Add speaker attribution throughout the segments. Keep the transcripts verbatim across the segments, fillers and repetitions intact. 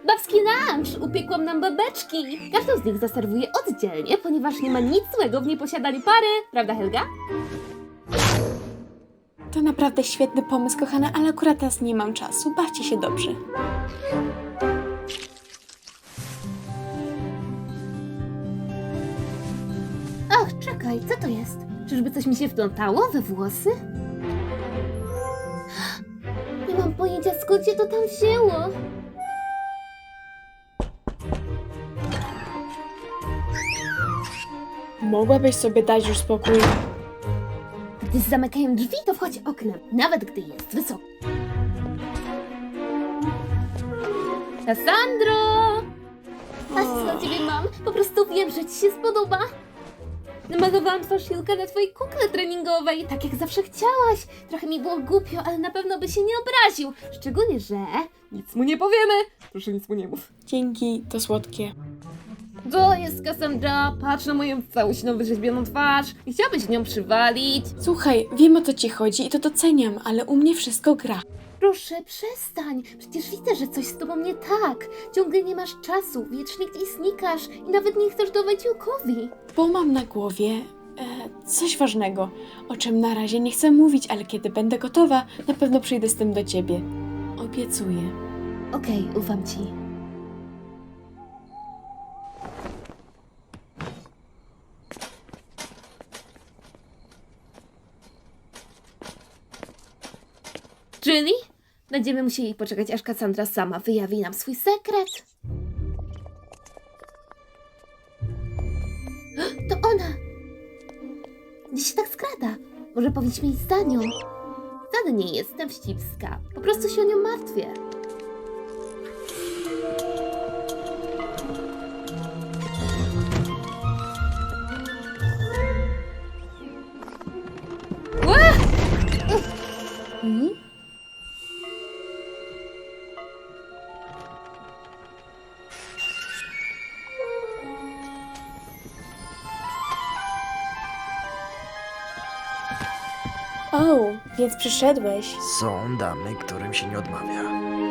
Speaker 1: Babski lunch! Upiekłam nam babeczki! Każdą z nich zaserwuję oddzielnie, ponieważ nie ma nic złego w nieposiadaniu pary. Prawda, Helga?
Speaker 2: To naprawdę świetny pomysł, kochana, ale akurat teraz nie mam czasu. Bawcie się dobrze.
Speaker 1: Ach, czekaj, co to jest? Czyżby coś mi się wplątało we włosy? Nie mam pojęcia, skąd się to tam wzięło.
Speaker 2: Mogłabyś sobie dać już spokój.
Speaker 1: Gdy zamykają drzwi, to wchodź oknem, nawet gdy jest wysoko. Kassandro! Patrz, co dla ciebie mam. Po prostu wiem, że ci się spodoba. Namalowałam twarz Julka na twojej kukle treningowej, tak jak zawsze chciałaś. Trochę mi było głupio, ale na pewno by się nie obraził. Szczególnie, że nic mu nie powiemy. Proszę, nic mu nie mów.
Speaker 2: Dzięki, to słodkie.
Speaker 1: To jest Cassandra, patrz na moją całościną wyrzeźbioną twarz. Nie chciałabyś nią przywalić?
Speaker 2: Słuchaj, wiem o co ci chodzi i to doceniam, ale u mnie wszystko gra.
Speaker 1: Proszę, przestań. Przecież widzę, że coś z tobą nie tak. Ciągle nie masz czasu, wiecznie gdzieś znikasz i nawet nie chcesz dawać Julkowi.
Speaker 2: Bo mam na głowie e, coś ważnego, o czym na razie nie chcę mówić, ale kiedy będę gotowa, na pewno przyjdę z tym do ciebie. Obiecuję.
Speaker 1: Okej, ufam ci. Julie? Będziemy musieli poczekać, aż Cassandra sama wyjawi nam swój sekret. To ona! Gdzie się tak skrada? Może powinniśmy iść za nią? Wcale nie jestem wścibska. Po prostu się o nią martwię. Ła!
Speaker 2: Mhm. O, więc przyszedłeś.
Speaker 3: Są damy, którym się nie odmawia.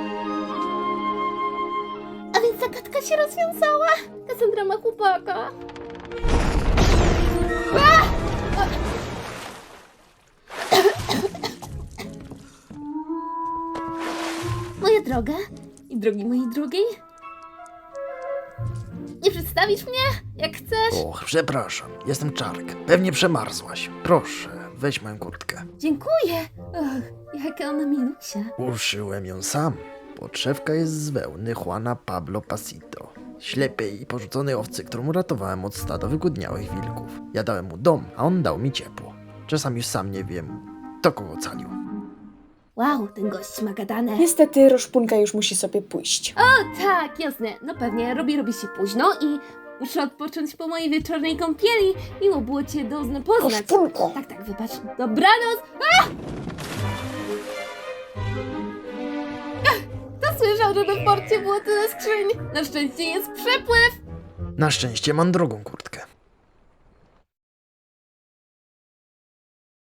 Speaker 1: A więc zagadka się rozwiązała. Cassandra ma chłopaka. A! Moja droga i drogi mojej drugiej. Nie przedstawisz mnie, jak chcesz?
Speaker 3: Och, przepraszam, jestem Czarek. Pewnie przemarzłaś. Proszę, weź moją kurtkę.
Speaker 1: Dziękuję. Och, jaka ona milusia.
Speaker 3: Uszyłem ją sam. Podszewka jest z wełny Juana Pablo Pasito. Ślepej i porzuconej owcy, którą uratowałem od stada wygłodniałych wilków. Ja dałem mu dom, a on dał mi ciepło. Czasami już sam nie wiem, kto kogo ocalił.
Speaker 1: Wow, ten gość ma gadane.
Speaker 2: Niestety Roszpunka już musi sobie pójść.
Speaker 1: O tak, jasne. No pewnie, robi, robi się późno i muszę odpocząć po mojej wieczornej kąpieli. Miło było cię dozna poznać.
Speaker 2: Roszpunko!
Speaker 1: Tak, tak, wybacz. Dobranoc! A! Ach, kto słyszał, że na porcie było tyle skrzyń? Na szczęście jest przepływ.
Speaker 3: Na szczęście mam drugą kurtkę.